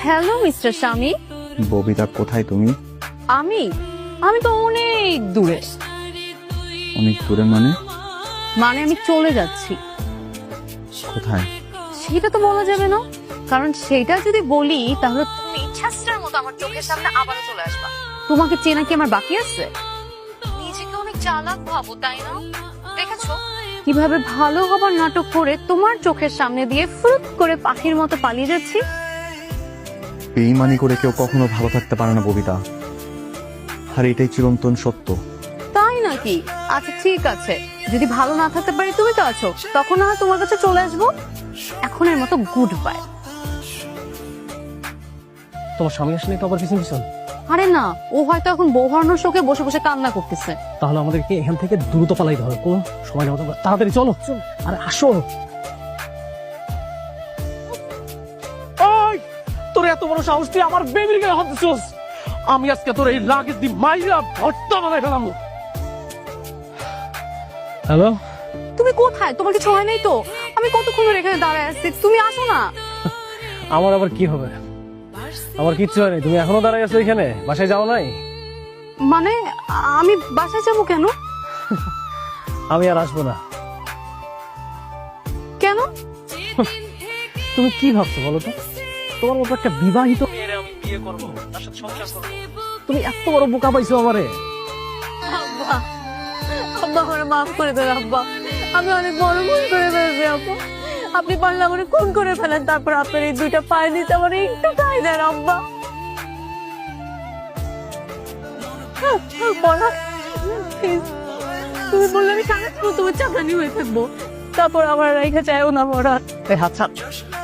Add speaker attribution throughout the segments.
Speaker 1: Hello mister স্বামী।
Speaker 2: ববিতা কোথায় তুমি?
Speaker 1: আমি আমি তো অনেক দূরে।
Speaker 2: অনেক দূরে মানে?
Speaker 1: মানে আমি চলে যাচ্ছি।
Speaker 2: কোথায়?
Speaker 1: সেটা তো বলা যাবে না, কারণ সেটা যদি বলি তাহলে তুমি ইচ্ছাস্ত্রের মতো আমার চোখের সামনে আবারও চলে আসবা। তোমাকে চেনা কি আমার বাকি আছে? নিজেকে অনেক চালাক ভাবো, তাই না? দেখেছো কিভাবে ভালো হবার নাটক করে তোমার চোখের সামনে দিয়ে ফুরুত করে পাখির মতো পালিয়ে যাচ্ছি।
Speaker 2: বেইমানি করে কেউ কখনো ভালো থাকতে পারে না ববিতা, আর এটাই চিরন্তন সত্য।
Speaker 1: তাই নাকি? আচ্ছা ঠিক আছে, যদি ভালো না থাকতে পারি তুমি তো আছো, তখন না হয় তোমার কাছে চলে আসবো। এখনের মতো গুড বাই।
Speaker 3: তোমার স্বামী আসলে তো আবার পিছন পিছন।
Speaker 1: আরে না, ও হয়তো এখন বউ হারানোর শোকে বসে বসে কান্না করতেছে।
Speaker 3: তাহলে আমাদেরকে এখান থেকে দ্রুত পালাইতে হবে, কোনো সময় নেওয়া যাবে না। তাড়াতাড়ি চলো। আরে আসো। ওই তোর এত বড় সাহস, তুই আমার বেবির গায়ে হাত দিছস। আমি আজকে তোর এই লাগেজ দি মাইরা ভর্তা বানাই ফেলাম। হ্যালো,
Speaker 1: তুমি কোথায়? তোমার কিছু হয় নাই তো? আমি কতক্ষণ ধরে এখানে দাঁড়ায় আছি, তুমি আসো না।
Speaker 3: আমার আবার কি হবে? আমার কিচ্ছু হয়নি, তুমি এখনো দাঁড়াই আছো এখানে, বাসায় যাও নাই?
Speaker 1: মানে আমি বাসায় যাবো কেন?
Speaker 3: আমি আর আসবো না।
Speaker 1: কেন?
Speaker 3: তুমি কি ভাবছো বলো তো? তোমার মতো একটা বিবাহিত মেয়েরে আমি বিয়ে করবো, তার সাথে সংসার করবো? তুমি এত বড় বোকা পাইছো আমারে।
Speaker 1: আব্বা, আব্বা আমার মাফ করে দেন আব্বা, আমি অনেক বড় ভুল করে ফেলেছি আব্বা। আপনি পারলে আমার খুন করে ফেলেন, তারপর আপনার এই দুইটা পায়ে নিতে আমার একটু ঠাঁই দেন আব্বা। পরাগ, please, তুমি বললে আমি সারাক্ষণ তোমার চাকরানি হয়ে থাকবো, তারপর আমার রেখে চাইও না পরাগ।
Speaker 2: এই হাত ছাড়,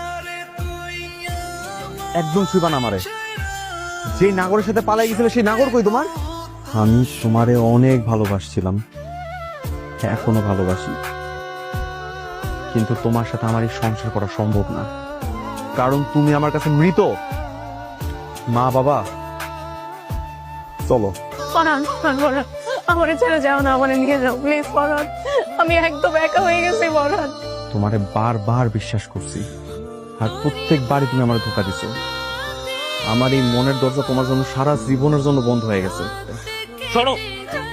Speaker 2: একদম ছুঁবা না আমারে। যে নাগরের সাথে পালাই গেছিল সেই নাগর কই তোমার? আমি তোমারে অনেক ভালোবাসছিলাম, এখনো ভালোবাসি, কিন্তু তোমার সাথে আমার এই সংসার করা সম্ভব না, কারণ তুমি আমার কাছে মৃত। মা বাবা, চলো।
Speaker 1: পরাগ, পরাগ, আমার ছেড়ে যাও না, আমার নিয়ে যাও প্লিজ পরাগ, আমি একদম একা হয়ে গেছি পরাগ।
Speaker 2: তোমারে বারবার বিশ্বাস করছি, আর প্রত্যেকবারই তুমি আমার ধোঁকা দিছো। আমার এই মনের দরজা তোমার জন্য সারা জীবনের জন্য বন্ধ হয়ে গেছে।
Speaker 3: শোনো,